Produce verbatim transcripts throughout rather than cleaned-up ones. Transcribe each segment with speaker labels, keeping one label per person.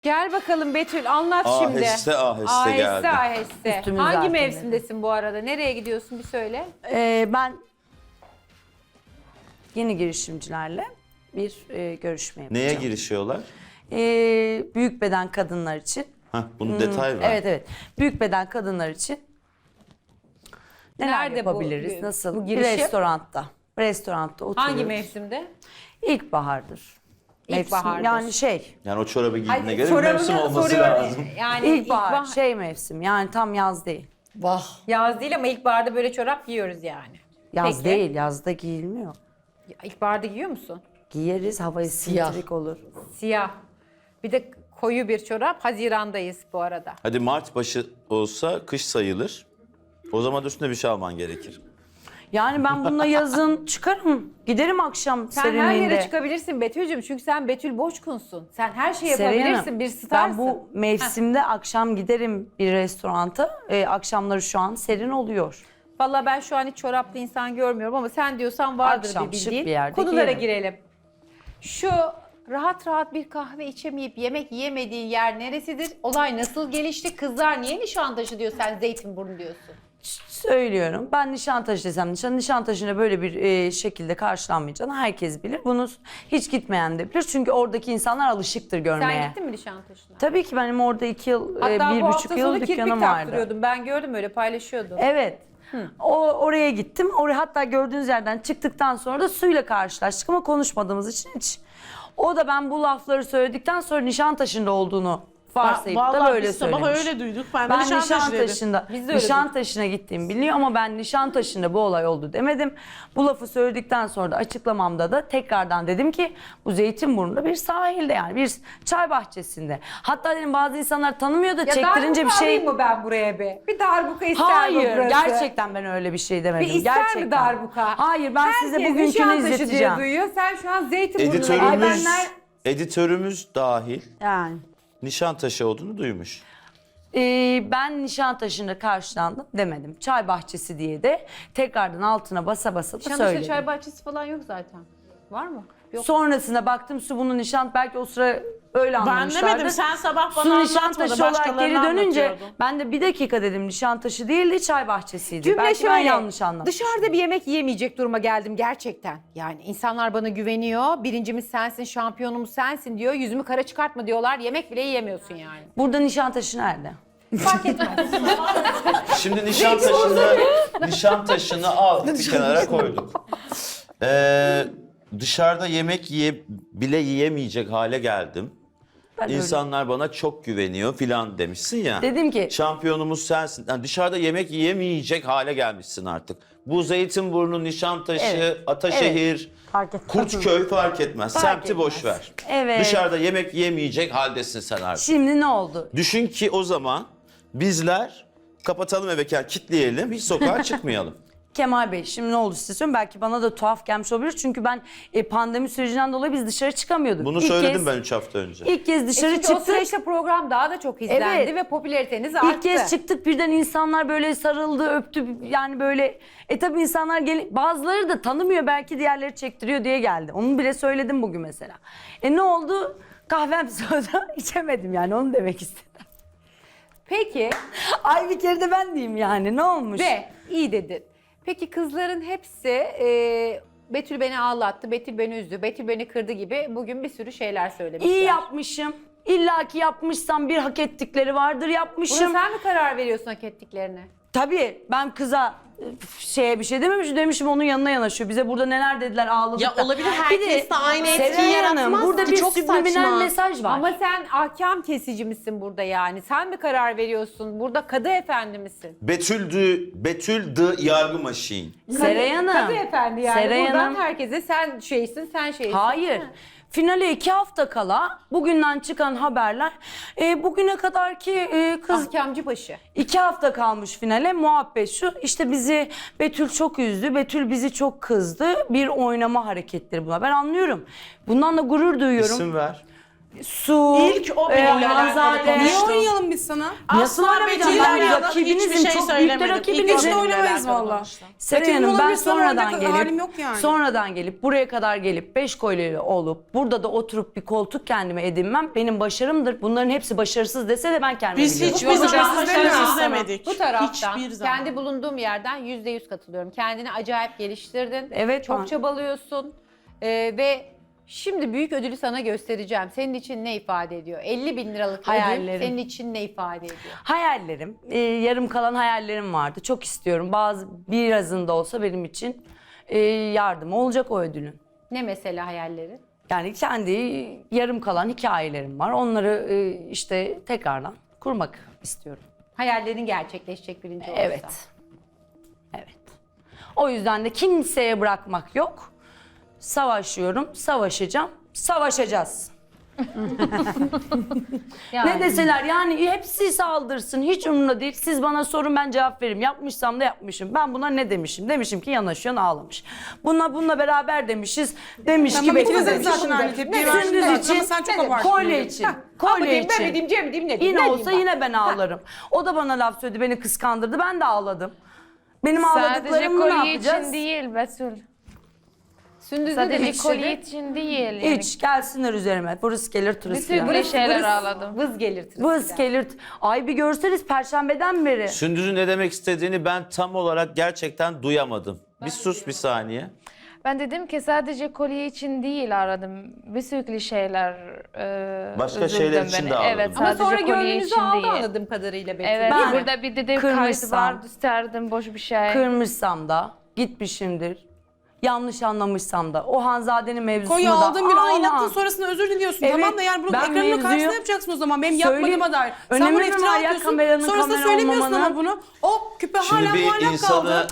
Speaker 1: Gel bakalım Betül, anlat şimdi.
Speaker 2: Aheste aheste
Speaker 1: aheste
Speaker 2: geldi.
Speaker 1: aheste.
Speaker 3: Üstümüz
Speaker 1: Hangi
Speaker 3: zaten
Speaker 1: mevsimdesin bu arada? Nereye gidiyorsun bir söyle.
Speaker 3: Ee, ben yeni girişimcilerle bir e, görüşme yapacağım.
Speaker 2: Neye girişiyorlar?
Speaker 3: Ee, büyük beden kadınlar için.
Speaker 2: Hah, bunu detay ver.
Speaker 3: Evet evet. Büyük beden kadınlar için neler
Speaker 1: Nerede bu-
Speaker 3: yapabiliriz?
Speaker 1: bu-
Speaker 3: Nasıl?
Speaker 1: bu
Speaker 3: Bir
Speaker 1: girişim?
Speaker 3: restoranda. Restoranda oturuyoruz.
Speaker 1: Hangi mevsimde?
Speaker 3: İlkbahardır. Mevsim,
Speaker 1: İlkbahardır.
Speaker 3: Yani şey.
Speaker 2: Yani o çorabı giydiğine
Speaker 1: Hayır,
Speaker 2: göre bir
Speaker 1: çorabını
Speaker 2: mevsim olması
Speaker 1: soruyorum.
Speaker 2: lazım.
Speaker 1: Yani
Speaker 3: İlkbahar,
Speaker 1: ilkbahar-
Speaker 3: şey mevsim. Yani tam yaz değil.
Speaker 4: Vah.
Speaker 1: Yaz değil ama ilkbaharda böyle çorap giyiyoruz yani.
Speaker 3: Yaz
Speaker 1: Peki.
Speaker 3: değil, yazda giyilmiyor.
Speaker 1: Ya, İlkbaharda giyiyor musun?
Speaker 3: Giyeriz, hava
Speaker 4: Siyah.
Speaker 3: esintilik olur.
Speaker 1: Siyah. Bir de koyu bir çorap. Hazirandayız bu arada.
Speaker 2: Hadi Mart başı olsa kış sayılır. O zaman da üstüne bir şey alman gerekir.
Speaker 3: Yani ben bununla yazın çıkarım. Giderim akşam
Speaker 1: Sen
Speaker 3: serinliğinde.
Speaker 1: her yere çıkabilirsin Betül'cüm. Çünkü sen Betül Boşkun'sun. Sen her şeyi
Speaker 3: Serenay
Speaker 1: yapabilirsin.
Speaker 3: Hanım,
Speaker 1: Bir starsın.
Speaker 3: Ben bu mevsimde akşam giderim bir restoranta. Ee, akşamları şu an serin oluyor.
Speaker 1: Vallahi ben şu an hiç çoraplı insan görmüyorum ama sen diyorsan vardır
Speaker 3: Akşam
Speaker 1: bir
Speaker 3: şık
Speaker 1: bildiğin.
Speaker 3: bir yerde
Speaker 1: Konulara
Speaker 3: giyerim.
Speaker 1: girelim. Şu rahat rahat bir kahve içemeyip yemek yiyemediği yer neresidir? Olay nasıl gelişti? Kızlar niye Nişantaşı diyor, sen Zeytinburnu diyorsun?
Speaker 3: Söylüyorum. Ben Nişantaşı desem Nişan, Nişantaşı'na böyle bir e, şekilde karşılanmayacağını herkes bilir. Bunu hiç gitmeyen de bilir. Çünkü oradaki insanlar alışıktır görmeye.
Speaker 1: Sen gittin mi Nişantaşı'na?
Speaker 3: Tabii ki benim orada iki yıl, e,
Speaker 1: Hatta
Speaker 3: bir
Speaker 1: bu
Speaker 3: buçuk
Speaker 1: hafta
Speaker 3: yıl
Speaker 1: sonu kirpik
Speaker 3: dükkanım vardı.
Speaker 1: taktırıyordum. Ben gördüm, öyle paylaşıyordum.
Speaker 3: Evet. O oraya gittim. Oraya hatta gördüğünüz yerden çıktıktan sonra da suyla karşılaştık ama konuşmadığımız için hiç. O da ben bu lafları söyledikten sonra Nişantaşı'nda olduğunu varsayıp da
Speaker 4: Vallahi
Speaker 3: böyle
Speaker 4: biz sabah
Speaker 3: söylemiş.
Speaker 4: öyle duyduk. Ben, de
Speaker 3: Ben
Speaker 4: Nişantaşı dedim.
Speaker 3: Nişantaşı'nda,
Speaker 1: Biz de öyle
Speaker 3: Nişantaşı'na gittiğimi biliyor ama ben Nişantaşı'nda bu olay oldu demedim. Bu lafı söyledikten sonra da açıklamamda da tekrardan dedim ki bu Zeytinburnu'nda bir sahilde, yani bir çay bahçesinde. Hatta dedim bazı insanlar tanımıyor da
Speaker 1: Ya
Speaker 3: çektirince bir
Speaker 1: darbuka
Speaker 3: şey...
Speaker 1: alayım mı ben buraya bir? Bir darbuka ister mi
Speaker 3: Hayır,
Speaker 1: burası?
Speaker 3: gerçekten ben öyle bir şey demedim.
Speaker 1: Bir ister
Speaker 3: gerçekten.
Speaker 1: mi darbuka?
Speaker 3: Hayır, ben size
Speaker 1: Herkes
Speaker 3: bugünkünü
Speaker 1: Nişantaşı diye
Speaker 3: izleteceğim.
Speaker 1: duyuyor. Sen şu an Zeytinburnu'na
Speaker 2: Editörümüz,
Speaker 1: gidenler...
Speaker 2: editörümüz dahil
Speaker 3: Yani.
Speaker 2: Nişantaşı olduğunu duymuş.
Speaker 3: Ee, ben Nişantaşı'nda karşılandım demedim. Çay bahçesi diye de tekrardan altına basa basa da
Speaker 1: Nişantaşı'da
Speaker 3: söyledim.
Speaker 1: çay bahçesi falan yok zaten. Var mı? Yok.
Speaker 3: Sonrasında baktım su bunun nişan, belki o sıra öyle
Speaker 4: Ben
Speaker 3: anlamışlardı.
Speaker 4: demedim, sen sabah bana
Speaker 3: Su
Speaker 4: anlatmadın,
Speaker 3: Nişantaşı olarak
Speaker 4: başkalarına
Speaker 3: geri dönünce
Speaker 4: anlatıyordun.
Speaker 3: ben de bir dakika dedim, Nişantaşı değildi çay bahçesiydi.
Speaker 1: Cümle
Speaker 3: belki ben
Speaker 1: şöyle,
Speaker 3: yanlış anlamışım.
Speaker 1: dışarıda bir yemek yiyemeyecek duruma geldim gerçekten. Yani insanlar bana güveniyor. Birincimiz sensin, şampiyonumuz sensin diyor. Yüzümü kara çıkartma diyorlar. Yemek bile yiyemiyorsun yani.
Speaker 3: Burada Nişantaşı nerede?
Speaker 1: Fark etmez.
Speaker 2: Şimdi Nişantaşı'nı Nişantaşı'nı al bir kenara koyduk. Ee, dışarıda yemek yiye, bile yiyemeyecek hale geldim.
Speaker 3: Ben öyle-
Speaker 2: İnsanlar bana çok güveniyor filan demişsin ya.
Speaker 3: Dedim ki-
Speaker 2: Şampiyonumuz sensin. Yani dışarıda yemek yiyemeyecek hale gelmişsin artık. Bu Zeytinburnu, Nişantaşı,
Speaker 3: Evet,
Speaker 2: Ataşehir,
Speaker 3: Fark etmez.
Speaker 2: Kurtköy fark etmez.
Speaker 3: Fark
Speaker 2: Semti
Speaker 3: etmez.
Speaker 2: boş ver.
Speaker 3: Evet.
Speaker 2: Dışarıda yemek yiyemeyecek haldesin sen artık.
Speaker 3: Şimdi ne oldu?
Speaker 2: Düşün ki o zaman bizler kapatalım eve, kilitleyelim, hiç sokağa çıkmayalım.
Speaker 3: Kemal Bey, şimdi ne oldu size söyleyeyim. Belki bana da tuhaf gelmiş olabilir. Çünkü ben e, pandemi sürecinden dolayı biz dışarı çıkamıyorduk.
Speaker 2: Bunu
Speaker 3: İlk
Speaker 2: söyledim
Speaker 3: kez-
Speaker 2: ben üç hafta önce.
Speaker 3: İlk kez dışarı
Speaker 1: E çünkü o
Speaker 3: çıktık.
Speaker 1: süreçte program daha da çok izlendi
Speaker 3: Evet.
Speaker 1: ve popülariteniz arttı.
Speaker 3: İlk kez çıktık, birden insanlar böyle sarıldı, öptü. Yani böyle, e tabi insanlar gel, bazıları da tanımıyor, belki diğerleri çektiriyor diye geldi. Onu bile söyledim bugün mesela. E ne oldu? Kahvem soda içemedim, yani onu demek istedim.
Speaker 1: Peki
Speaker 3: Ay bir kere de ben diyeyim, yani ne olmuş?
Speaker 1: ve iyi dedin. Peki kızların hepsi e, Betül beni ağlattı, Betül beni üzdü, Betül beni kırdı gibi bugün bir sürü şeyler söylemişler.
Speaker 3: İyi yapmışım. İlla ki yapmışsam bir hak ettikleri vardır,
Speaker 1: Buna
Speaker 3: yapmışım.
Speaker 1: sen mi karar veriyorsun hak ettiklerine?
Speaker 3: Tabii ben kıza e, şeye bir şey dememişim, demişim onun yanına yanaşıyor. Bize burada neler dediler, ağladık
Speaker 4: Ya
Speaker 3: da.
Speaker 4: olabilir,
Speaker 3: Bir
Speaker 4: herkes de aynı etkiyi
Speaker 3: Serenay Hanım,
Speaker 4: yaratmaz
Speaker 3: burada
Speaker 4: ki,
Speaker 3: bir
Speaker 4: çok
Speaker 3: subliminal
Speaker 4: saçma.
Speaker 3: mesaj var.
Speaker 1: Ama sen ahkam kesici misin burada yani? Sen mi karar veriyorsun? Burada kadı efendi misin?
Speaker 2: Betüldü, Betüldü yargı maşin.
Speaker 3: Seray Hanım.
Speaker 1: Kadı efendi yani.
Speaker 3: Seray
Speaker 1: Buradan
Speaker 3: Hanım.
Speaker 1: herkese sen şeysin, sen şeysin.
Speaker 3: Hayır. Finale iki hafta kala bugünden çıkan haberler, e, bugüne kadar ki e, kız
Speaker 1: Ahkamcı başı.
Speaker 3: iki hafta kalmış finale, muhabbet şu, işte bizi Betül çok üzdü, Betül bizi çok kızdı, bir oynama hareketleri buna. Ben anlıyorum. Bundan da gurur duyuyorum.
Speaker 2: İsim ver.
Speaker 3: Su,
Speaker 4: İlk o benimle alakalı
Speaker 3: Hanzade.
Speaker 4: konuştu.
Speaker 5: Niye oynayalım biz sana?
Speaker 3: Nasıl
Speaker 4: Asla
Speaker 3: oynamayacağım?
Speaker 4: Betül'le
Speaker 3: Ben
Speaker 4: oynayalım.
Speaker 3: rakibinizim,
Speaker 4: Hiçbir şey
Speaker 3: çok büyük de
Speaker 4: söylemedim.
Speaker 3: rakibinizim.
Speaker 4: İlk
Speaker 5: Hiç de
Speaker 4: benimle
Speaker 5: oynamayız
Speaker 4: alakalı
Speaker 5: valla.
Speaker 4: konuştu.
Speaker 3: Seray
Speaker 5: Betül
Speaker 3: Hanım ben
Speaker 5: olabilirsen
Speaker 3: sonradan
Speaker 5: oynayacak
Speaker 3: gelip
Speaker 5: halim yok yani.
Speaker 3: sonradan gelip buraya kadar gelip beş kolyeli olup burada da oturup bir koltuk kendime edinmem benim başarımdır. Bunların hepsi başarısız dese de ben kendime
Speaker 4: Biz
Speaker 3: biliyorum.
Speaker 4: hiçbir
Speaker 5: Bu
Speaker 4: zaman
Speaker 5: başarısız
Speaker 4: başarısız
Speaker 5: demiyoruz sana.
Speaker 4: demedik.
Speaker 1: Bu taraftan
Speaker 4: Hiçbir zaman.
Speaker 1: kendi bulunduğum yerden yüzde yüz katılıyorum. Kendini acayip geliştirdin.
Speaker 3: Evet,
Speaker 1: Çok
Speaker 3: ben-
Speaker 1: çabalıyorsun. Ee, ve şimdi büyük ödülü sana göstereceğim. Senin için ne ifade ediyor? elli bin liralık ödül
Speaker 3: Hayallerim.
Speaker 1: senin için ne ifade ediyor?
Speaker 3: Hayallerim, e, yarım kalan hayallerim vardı. Çok istiyorum. Bazı birazında olsa benim için e, yardım olacak o ödülün.
Speaker 1: Ne mesela hayalleri?
Speaker 3: Yani kendi yarım kalan hikayelerim var. Onları e, işte tekrardan kurmak istiyorum.
Speaker 1: Hayallerin gerçekleşecek birinci olursa.
Speaker 3: Evet. Evet. O yüzden de kimseye bırakmak yok. Savaşıyorum, savaşacağım, savaşacağız.
Speaker 1: Yani.
Speaker 3: Ne deseler yani hepsi saldırsın, hiç umurumda değil. Siz bana sorun, ben cevap veririm. Yapmışsam da yapmışım. Ben buna ne demişim? Demişim ki yanaşıyorsun, ağlamış. Bununla bununla beraber demişiz. Demiş
Speaker 5: Tamam,
Speaker 3: ki
Speaker 5: ikiniz de
Speaker 3: bekle.
Speaker 5: zaten aynı tepkiyi
Speaker 3: Sündüz
Speaker 5: verdiniz.
Speaker 3: için,
Speaker 5: Ama sen çok
Speaker 1: ne-
Speaker 5: abarttın.
Speaker 3: kolye için,
Speaker 1: Ama
Speaker 3: kolye
Speaker 1: diyeyim, ben
Speaker 3: için.
Speaker 1: mi diyeyim, Cem mi diyeyim, ne diyeyim?
Speaker 3: Yine
Speaker 1: Ne
Speaker 3: olsa
Speaker 1: diyeyim ben?
Speaker 3: yine ben ağlarım. O da bana laf söyledi, beni kıskandırdı. Ben de ağladım. Benim
Speaker 6: Sadece
Speaker 3: ağladıklarımı ne
Speaker 6: kolye
Speaker 3: yapacağız?
Speaker 6: için değil Betül.
Speaker 1: Sündüz ne
Speaker 6: Sadece
Speaker 1: demek
Speaker 6: kolye
Speaker 1: istedi?
Speaker 6: için değil. Yani.
Speaker 3: Hiç gelsinler üzerime. Burası gelir turist
Speaker 6: Bütün
Speaker 3: yani.
Speaker 6: bir şeyler
Speaker 1: Vız-
Speaker 6: ağladım.
Speaker 1: Vız gelir.
Speaker 3: Vız gelir. Ay bir görseniz perşembeden beri.
Speaker 2: Sündüz'ün ne demek istediğini ben tam olarak gerçekten duyamadım. Bir sus bir saniye.
Speaker 6: Ben dedim ki sadece kolye için değil aradım. Bir sürü şeyler e,
Speaker 2: Başka
Speaker 6: üzüldüm
Speaker 2: şeyler için
Speaker 6: beni.
Speaker 2: de ağladın.
Speaker 6: Evet,
Speaker 1: Ama
Speaker 6: sadece
Speaker 1: sonra
Speaker 6: kolye
Speaker 1: gönlünüzü
Speaker 6: için
Speaker 1: aldı
Speaker 6: değil.
Speaker 1: anladığım kadarıyla Betül.
Speaker 6: Evet,
Speaker 1: değil mi?
Speaker 6: burada bir dedim kaydı
Speaker 3: Kırmışsam.
Speaker 6: var, isterdim boş bir şey.
Speaker 3: Kırmışsam da, gitmişimdir. Yanlış anlamışsam da, o Hanzade'nin mevzusunu
Speaker 5: Kolye
Speaker 3: da...
Speaker 5: aldın bir
Speaker 3: Aa,
Speaker 5: aynattın sonrasında özür diliyorsun.
Speaker 3: Evet,
Speaker 5: Tamam da yani bunun
Speaker 3: ben
Speaker 5: ekranının
Speaker 3: mevzuyu
Speaker 5: karşısında yapacaksın o zaman. Benim
Speaker 3: söyleyeyim.
Speaker 5: yapmadığıma dair. Sen
Speaker 3: Önemi
Speaker 5: bunu
Speaker 3: mi
Speaker 5: iftira
Speaker 3: var ya
Speaker 5: atıyorsun.
Speaker 3: kameranın
Speaker 5: Sonrasında
Speaker 3: kamera
Speaker 5: söylemiyorsun
Speaker 3: olmamanın?
Speaker 5: ama bunu. O küpe
Speaker 2: Şimdi
Speaker 5: hala
Speaker 2: bir
Speaker 5: muallak
Speaker 2: insanı
Speaker 5: kaldı.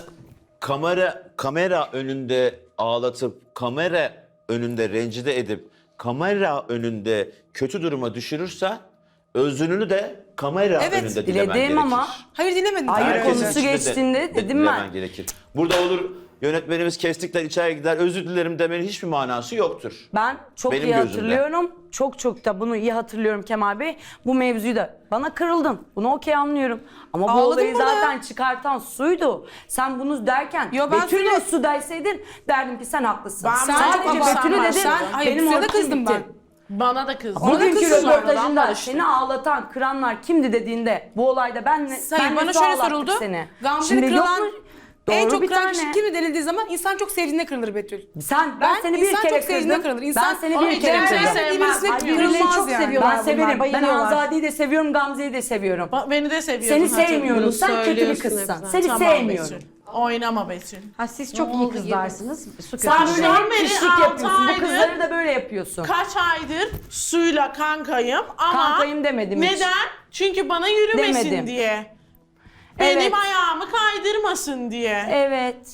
Speaker 2: kamera kamera önünde ağlatıp, kamera önünde rencide edip, kamera önünde kötü duruma düşürürse özrünü de kamera
Speaker 5: Evet,
Speaker 2: önünde dilemen
Speaker 3: diledim
Speaker 2: gerekir.
Speaker 3: ama-
Speaker 5: Hayır dilemedin.
Speaker 3: Hayır,
Speaker 5: Hayır,
Speaker 2: Herkesin
Speaker 3: konusu
Speaker 2: içinde de-
Speaker 3: geçtiğinde
Speaker 2: de-
Speaker 3: dedim
Speaker 2: dilemen
Speaker 3: ben.
Speaker 2: gerekir. Burada olur yönetmenimiz kestikler içeri gider özür dilerim demenin hiçbir manası yoktur.
Speaker 3: Ben çok
Speaker 2: Benim
Speaker 3: iyi
Speaker 2: gözümde.
Speaker 3: hatırlıyorum. Çok çok da bunu iyi hatırlıyorum Kemal Bey. Bu mevzuyu da bana kırıldın. Bunu okey anlıyorum. Ama bu
Speaker 5: Ağladın
Speaker 3: olayı
Speaker 5: burada.
Speaker 3: zaten çıkartan suydu. Sen bunu derken
Speaker 5: Yo, ben
Speaker 3: Betül'le
Speaker 5: suyla-
Speaker 3: su derseydin derdim ki sen haklısın.
Speaker 4: Ben-
Speaker 5: Sen
Speaker 3: Sadece
Speaker 5: çok
Speaker 3: Betül'ü
Speaker 5: abartma.
Speaker 3: dedim.
Speaker 5: Sen- hayır,
Speaker 3: benim
Speaker 5: suya da
Speaker 3: ortam
Speaker 5: kızdım
Speaker 3: bitti.
Speaker 5: ben.
Speaker 4: Bana da kızdı.
Speaker 5: Ona da
Speaker 3: Bugünkü
Speaker 5: kızdım sonradan,
Speaker 3: röportajında
Speaker 4: barıştık.
Speaker 3: seni ağlatan, kıranlar kimdi dediğinde bu olayda ben
Speaker 5: Hayır,
Speaker 3: ben
Speaker 5: bana şöyle soruldu. Gamze'yi
Speaker 3: Şimdi yok
Speaker 5: kırılan
Speaker 3: mu?
Speaker 5: en
Speaker 3: Doğru
Speaker 5: çok
Speaker 3: bir
Speaker 5: kıran
Speaker 3: tane.
Speaker 5: kişi kimi denildiği zaman insan çok sevdiğinde kırılır Betül.
Speaker 3: Sen ben,
Speaker 5: Ben
Speaker 3: seni bir
Speaker 5: insan
Speaker 3: kere
Speaker 5: çok sevdiğinde
Speaker 3: kırdım.
Speaker 5: kırılır. İnsan-
Speaker 3: ben seni
Speaker 4: Ama
Speaker 3: bir kere
Speaker 4: Cemre'yi
Speaker 3: kırdım.
Speaker 4: sevmem.
Speaker 5: Birisine
Speaker 4: Ay,
Speaker 1: birbirlerini
Speaker 5: kırılmaz
Speaker 1: çok
Speaker 5: yani.
Speaker 1: seviyorlar.
Speaker 3: Ben
Speaker 1: bunlar,
Speaker 3: severim. Ben
Speaker 1: bayılıyorlar.
Speaker 3: Hanzade'yi de seviyorum, Gamze'yi de seviyorum.
Speaker 4: Ba- Beni de seviyorsun.
Speaker 3: Seni sevmiyorum.
Speaker 4: Bunu
Speaker 3: Sen kötü bir
Speaker 4: söylüyorsun
Speaker 3: kızsın.
Speaker 4: hep
Speaker 3: Seni
Speaker 4: zaten.
Speaker 3: sevmiyorum.
Speaker 4: Betül. Oynama Betül.
Speaker 1: Ha, siz çok iyi kızlarsınız. Su
Speaker 3: Sen
Speaker 1: kötü.
Speaker 3: böyle
Speaker 4: Baştan
Speaker 3: hep
Speaker 4: beri
Speaker 3: pişlik
Speaker 4: altı
Speaker 3: yapıyorsun. Bu
Speaker 4: aydır-
Speaker 3: kızları da böyle yapıyorsun.
Speaker 4: Kaç aydır suyla kankayım ama
Speaker 3: Kankayım demedim hiç.
Speaker 4: neden? Çünkü bana yürümesin
Speaker 3: Demedim.
Speaker 4: diye. Benim
Speaker 3: Evet.
Speaker 4: ayağımı kaydırmasın diye.
Speaker 3: Evet.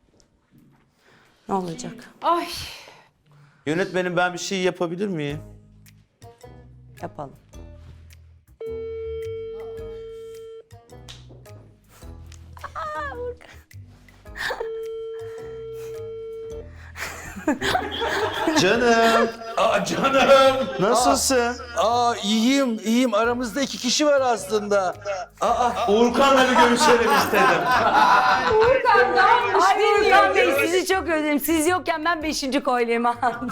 Speaker 3: Ne olacak?
Speaker 1: Ay.
Speaker 2: Yönetmenim ben bir şey yapabilir miyim?
Speaker 3: Yapalım.
Speaker 2: Canım.
Speaker 7: Aa canım.
Speaker 2: Nasılsın?
Speaker 7: Aa iyiyim, iyiyim. Aramızda iki kişi var aslında. Aa,
Speaker 2: Uğurkan'la bir görüşelim istedim.
Speaker 3: Ay Urkan Bey sizi çok özledim. Siz yokken ben beşinci kolyemi aldım.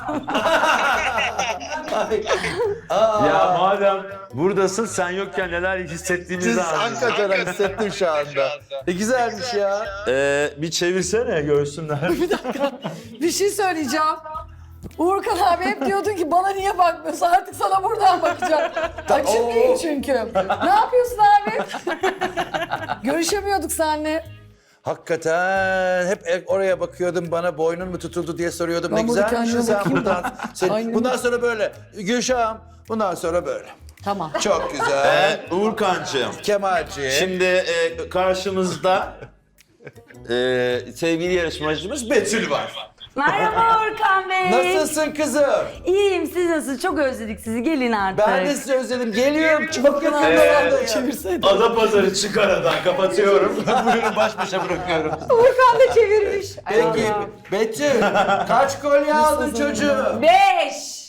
Speaker 2: Ya madem buradasın sen yokken neler hissettiğimizi
Speaker 7: siz
Speaker 2: anladım.
Speaker 7: hakikaten hissettim şu anda. Ne güzelmiş ya.
Speaker 2: Ee, bir çevirsene görsünler.
Speaker 8: Bir şey söyleyeceğim. Uğurkan abi hep diyordun ki bana niye bakmıyorsun? Artık sana buradan bakacağım. Açık değil çünkü. Ne yapıyorsun abi? Görüşemiyorduk seninle.
Speaker 7: Hakikaten hep oraya bakıyordum, bana boynun mu tutuldu diye soruyordum.
Speaker 8: Ben
Speaker 7: ne
Speaker 8: burada
Speaker 7: güzelmişsin
Speaker 8: kendime
Speaker 7: sen
Speaker 8: bakayım.
Speaker 7: buradan. Sen-
Speaker 8: Aynen.
Speaker 7: bundan sonra böyle. Gülşah'ım, bundan sonra böyle.
Speaker 8: Tamam.
Speaker 7: Çok güzel.
Speaker 2: Ee, Uğurkan'cığım.
Speaker 7: Kemalciğim.
Speaker 2: Şimdi e, karşımızda e, sevgili yarışmacımız Betül var.
Speaker 3: Merhaba Urkan Bey.
Speaker 7: Nasılsın kızım?
Speaker 3: İyiyim, siz nasılsınız? Çok özledik sizi. Gelin artık.
Speaker 7: Ben de sizi özledim. Geliyorum. Çok yakın
Speaker 2: Ee,
Speaker 7: zamanda ya.
Speaker 8: Çevirsene.
Speaker 2: Adapazarı çık aradan kapatıyorum. Buyurun baş başa bırakıyorum.
Speaker 1: Urkan da çevirmiş.
Speaker 7: Peki Betül, kaç kolye aldın çocuğum?
Speaker 3: Beş.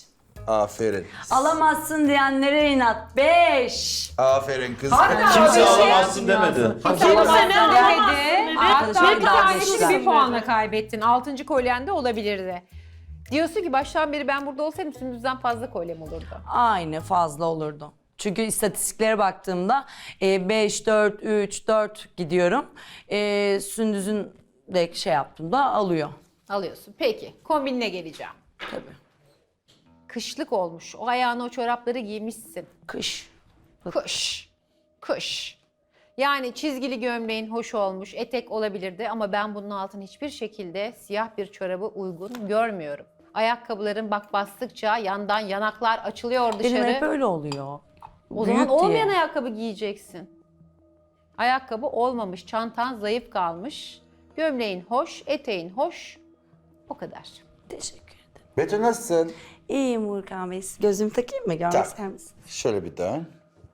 Speaker 7: Aferin.
Speaker 3: Alamazsın diyenlere inat. Beş.
Speaker 7: Aferin kız.
Speaker 2: Kimse alamazsın demedi.
Speaker 4: Kimse ne alamazsın
Speaker 1: Demedi.
Speaker 4: dedi.
Speaker 1: Hatta
Speaker 3: Arkadaşlar
Speaker 1: bir
Speaker 3: daha
Speaker 1: tanesini
Speaker 3: geçtiler.
Speaker 1: bir puanla kaybettin. Altıncı kolyen de olabilirdi. Diyorsun ki baştan beri ben burada olsaydım Sündüz'den fazla kolyem olurdu.
Speaker 3: Aynı fazla olurdu. Çünkü istatistiklere baktığımda beş, dört, üç, dört gidiyorum. E, Sündüz'ün de şey yaptığımda alıyor.
Speaker 1: Alıyorsun. Peki kombinine geleceğim.
Speaker 3: Tabii.
Speaker 1: Kışlık olmuş. O ayağına o çorapları giymişsin.
Speaker 3: Kış.
Speaker 1: Kış. Kış. Yani çizgili gömleğin hoş olmuş, etek olabilirdi ama ben bunun altına hiçbir şekilde siyah bir çorabı uygun görmüyorum. Ayakkabıların bak bastıkça yandan yanaklar açılıyor
Speaker 3: Benim
Speaker 1: dışarı.
Speaker 3: hep öyle oluyor.
Speaker 1: O
Speaker 3: Büyük
Speaker 1: zaman olmayan
Speaker 3: diye.
Speaker 1: ayakkabı giyeceksin. Ayakkabı olmamış, çantan zayıf kalmış, gömleğin hoş, eteğin hoş. O kadar.
Speaker 3: Teşekkür ederim.
Speaker 7: Betül nasılsın?
Speaker 3: İyiyim Urkan Bey. Gözümü takayım mı? Görmek
Speaker 7: Tak.
Speaker 3: ister misin?
Speaker 7: Şöyle bir dön.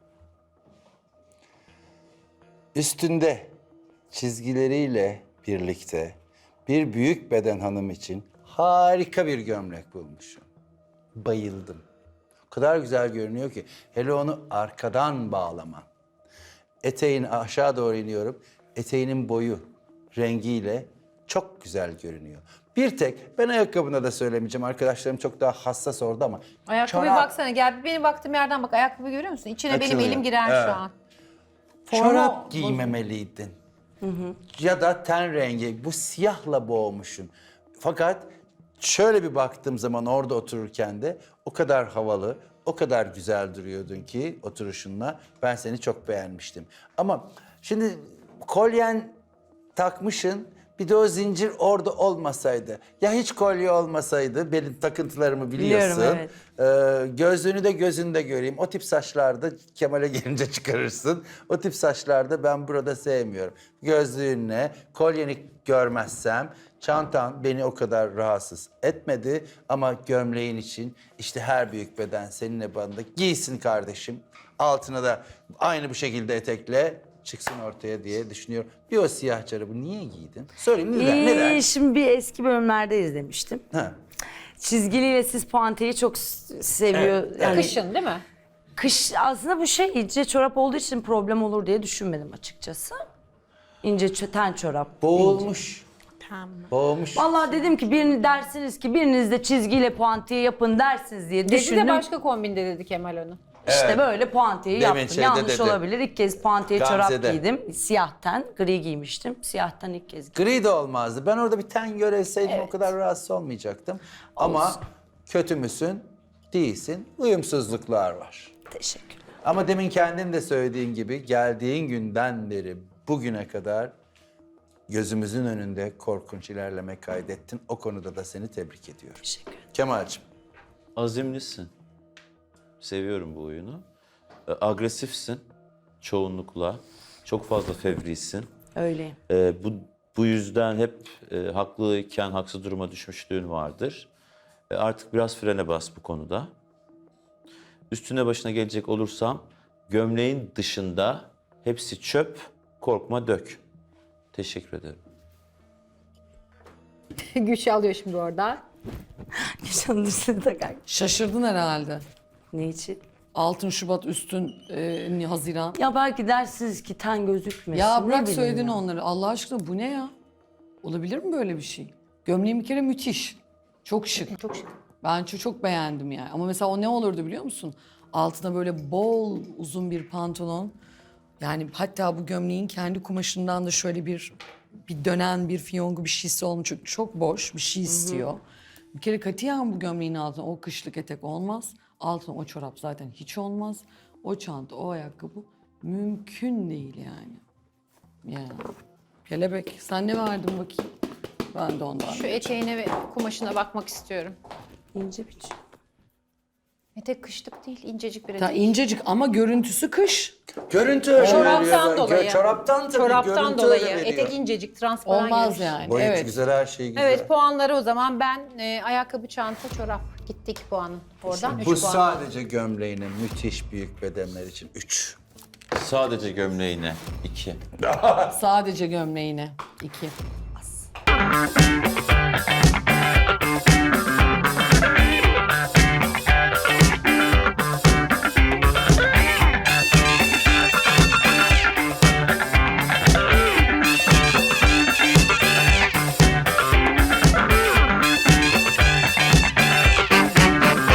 Speaker 7: Üstünde çizgileriyle birlikte bir büyük beden hanım için harika bir gömlek bulmuşum. Bayıldım. O kadar güzel görünüyor ki. Hele onu arkadan bağlaman. Eteğin aşağı doğru iniyorum. Eteğinin boyu, rengiyle çok güzel görünüyor. Bir tek, ben ayakkabına da söylemeyeceğim. Arkadaşlarım çok daha hassas orada ama.
Speaker 1: Ayakkabıya
Speaker 7: çorap-
Speaker 1: baksana gel bir benim baktığım yerden bak ayakkabı görüyor musun? İçine benim
Speaker 7: Açılıyor.
Speaker 1: elim girer
Speaker 7: Evet.
Speaker 1: şu an.
Speaker 7: Çorap giymemeliydin. Ya da ten rengi, bu siyahla boğmuşsun. Fakat şöyle bir baktığım zaman orada otururken de o kadar havalı, o kadar güzel duruyordun ki oturuşunla ben seni çok beğenmiştim. Ama şimdi kolyen takmışın, bir de o zincir orada olmasaydı, ya hiç kolye olmasaydı, benim takıntılarımı biliyorsun.
Speaker 3: Biliyorum,
Speaker 7: Ee, gözlüğünü de gözünde göreyim. O tip saçlarda Kemal'e gelince çıkarırsın. O tip saçlarda ben burada sevmiyorum. Gözlüğünle, kolyeni görmezsem çantan beni o kadar rahatsız etmedi. Ama gömleğin için işte her büyük beden seninle bana da giysin kardeşim. Altına da aynı bu şekilde etekle çıksın ortaya diye düşünüyorum. Bir o siyah çorabı niye giydin? Söyleyeyim neden?
Speaker 3: Ee,
Speaker 7: neden?
Speaker 3: Şimdi bir eski bölümlerde izlemiştim.
Speaker 7: Ha.
Speaker 3: Çizgiliyle siz puanteyi çok s- seviyor.
Speaker 7: Evet,
Speaker 3: Yani
Speaker 1: Kışın değil mi?
Speaker 3: Kış aslında bu şey ince çorap olduğu için problem olur diye düşünmedim açıkçası. İnce çö- ten çorap.
Speaker 7: Boğulmuş.
Speaker 4: Tamam.
Speaker 7: Boğmuş.
Speaker 3: Vallahi dedim ki birini dersiniz ki biriniz de çizgiyle puantiye yapın dersiniz diye
Speaker 1: Dedi
Speaker 3: düşündüm.
Speaker 1: de başka kombinde dedi Kemal onu.
Speaker 3: İşte
Speaker 7: Evet.
Speaker 3: böyle puantiyeyi
Speaker 7: Demin
Speaker 3: yaptım.
Speaker 7: şeyde
Speaker 3: Yanlış
Speaker 7: dedi.
Speaker 3: olabilir. İlk kez puantiye çorap
Speaker 7: Gamze'de.
Speaker 3: giydim. Siyahten gri giymiştim. Siyahtan ilk kez giydim.
Speaker 7: Gri de olmazdı. Ben orada bir ten göreseydim o kadar rahatsız olmayacaktım. Ama kötü müsün? Değilsin. Uyumsuzluklar var.
Speaker 3: Teşekkürler.
Speaker 7: Ama demin kendin de söylediğin gibi geldiğin günden beri bugüne kadar gözümüzün önünde korkunç ilerleme kaydettin. O konuda da seni tebrik ediyorum.
Speaker 3: Teşekkür ederim.
Speaker 7: Kemal'cim.
Speaker 2: Azimlisin. Seviyorum bu oyunu. E, Agresifsin çoğunlukla. Çok fazla fevrisin.
Speaker 3: Öyleyim.
Speaker 2: E, bu bu yüzden hep e, haklıyken haksız duruma düşmüşlüğün vardır. E, artık biraz frene bas bu konuda. Üstüne başına gelecek olursam gömleğin dışında hepsi çöp, korkma dök. Teşekkür ederim.
Speaker 1: Güç alıyor şimdi orada.
Speaker 3: Geçen üstüne takar.
Speaker 5: Şaşırdın herhalde.
Speaker 3: Ne için?
Speaker 5: Altın Şubat üstün e, Haziran.
Speaker 3: Ya belki dersiniz ki ten gözükmesin.
Speaker 5: Ya
Speaker 3: ne
Speaker 5: bırak
Speaker 3: bileyim
Speaker 5: söyledin
Speaker 3: ya.
Speaker 5: onları. Allah aşkına bu ne ya? Olabilir mi böyle bir şey? Gömleğin bir kere müthiş. Çok şık.
Speaker 1: Çok şık.
Speaker 5: Ben çok, çok beğendim yani. Ama mesela o ne olurdu biliyor musun? Altına böyle bol uzun bir pantolon. Yani hatta bu gömleğin kendi kumaşından da şöyle bir bir dönen bir fiyongu bir şeysi olmuş. Çünkü çok boş bir şey istiyor. Bir kere katiyen bu gömleğin altına o kışlık etek olmaz. Altına o çorap zaten hiç olmaz. O çanta, o ayakkabı mümkün değil yani. Yani. Kelebek. Sen ne verdin bakayım? Ben de ondan.
Speaker 1: Şu eteğine ve kumaşına bakmak istiyorum.
Speaker 3: İnce bir şey.
Speaker 1: Etek kışlık değil, incecik bir
Speaker 5: Ta
Speaker 1: etek.
Speaker 5: incecik ama görüntüsü kış.
Speaker 7: Görüntü öyle veriyor.
Speaker 1: Çoraptan dolayı.
Speaker 7: Gö- Çoraptan tabii
Speaker 1: Çoraptan
Speaker 7: görüntü
Speaker 1: dolayı.
Speaker 7: öyle veriyor.
Speaker 1: Etek incecik, transparan
Speaker 5: Olmaz
Speaker 1: görünüş.
Speaker 5: yani.
Speaker 7: Boyutu
Speaker 5: evet.
Speaker 7: güzel, her şey güzel.
Speaker 1: Evet puanları o zaman ben e, ayakkabı, çanta, çorap. Gitti iki puanın. Oradan üç
Speaker 7: Bu
Speaker 1: puan.
Speaker 7: sadece gömleğine müthiş büyük bedenler için üç.
Speaker 2: Sadece gömleğine iki.
Speaker 5: Sadece gömleğine. İki.